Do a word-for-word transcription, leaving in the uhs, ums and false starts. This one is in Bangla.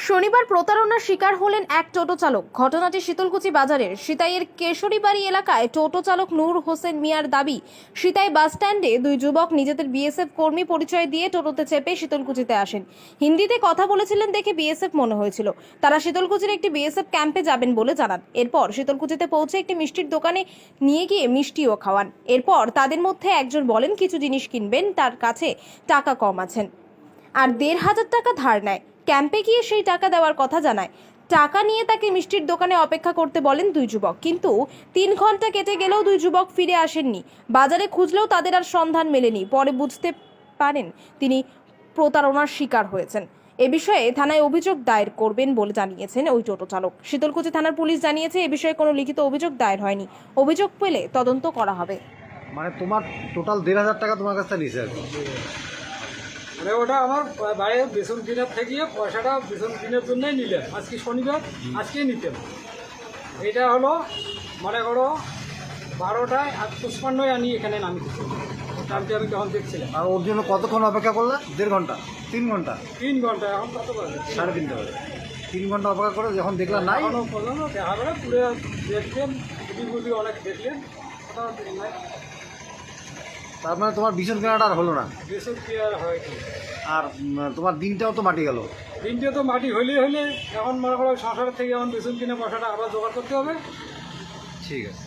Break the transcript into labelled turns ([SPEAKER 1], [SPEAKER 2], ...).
[SPEAKER 1] শনিবার প্রতারণার শিকার হলেন এক টোটো চালক। ঘটনাটি শীতলকুচি বাজারের সিতাইয়ের কেশরীবাড়ি এলাকায়। টোটো চালক নূর হোসেন মিয়ার দাবি, সিতাই বাস স্ট্যান্ডে দুই যুবক নিজেদের বিএসএফ কর্মী পরিচয় দিয়ে টোটোতে চেপে শীতলকুচিতে আসেন। হিন্দিতে কথা বলেছিলেন দেখে বিএসএফ মনে হয়েছিল। তারা শীতলকুচির একটি বিএসএফ ক্যাম্পে যাবেন বলে জানান। এরপর শীতলকুচিতে পৌঁছে একটি মিষ্টির দোকানে নিয়ে গিয়ে মিষ্টিও খাওয়ান। এরপর তাদের মধ্যে একজন বলেন কিছু জিনিস কিনবেন, তার কাছে টাকা কম আছেন, আর দেড় হাজার টাকা ধার নেয়। ক্যাম্পে গিয়ে সেই টাকা দেওয়ার কথা জানায়। টাকা নিয়ে তাকে মিষ্টির দোকানে অপেক্ষা করতে বলেন দুই যুবক, কিন্তু তিন ঘন্টা কেটে গেলেও দুই যুবক ফিরে আসেননি। বাজারে খুঁজলেও তাদের আর সন্ধান মেলেনি। পরে বুঝতে পারেন তিনি প্রতারণার শিকার হয়েছেন। এ বিষয়ে থানায় অভিযোগ দায়ের করবেন বলে জানিয়েছেন ওই টোটো চালক। শীতলকুচি থানার পুলিশ জানিয়েছে এ বিষয়ে কোনো লিখিত অভিযোগ দায়ের হয়নি। অভিযোগ পেলে তদন্ত করা হবে।
[SPEAKER 2] মানে তোমার টোটাল দেড় হাজার টাকা তোমার কাছে নিয়েছে আর কি?
[SPEAKER 3] মানে ওটা আমার বাইরে বেতন দিনের থেকে পয়সাটা বেতন দিনের জন্যই নিলেন। আজকে শনিবার, আজকেই নিতেন। এটা হলো মনে করো বারোটায় আর পুষ্পান্নয় আনি এখানে নামিয়েছি। টাইমটি আমি তখন দেখছিলাম।
[SPEAKER 2] আর ওর জন্য কতক্ষণ অপেক্ষা করলে? দেড় ঘন্টা, তিন ঘন্টা,
[SPEAKER 3] তিন ঘন্টা এখন কত বাজে?
[SPEAKER 2] সাড়ে তিনটা বাজে। তিন ঘন্টা অপেক্ষা করে যখন দেখলাম নাই,
[SPEAKER 3] এখনো পর্যন্ত দেখা যাবে পুরো দেখলেন, বুঝি বুঝি অনেক দেখলেন, কোথাও নাই।
[SPEAKER 2] তার মানে তোমার ভীষণ কেনাটা আর হলো না,
[SPEAKER 3] বেতন কি আর হয়নি।
[SPEAKER 2] আর উম, তোমার দিনটাও তো মাটি গেল।
[SPEAKER 3] দিনটা তো মাটি হইলে হইলে এখন মনে করো সংসারের থেকে এখন বেতন কিনে পয়সাটা আবার জোগাড় করতে হবে।
[SPEAKER 2] ঠিক আছে।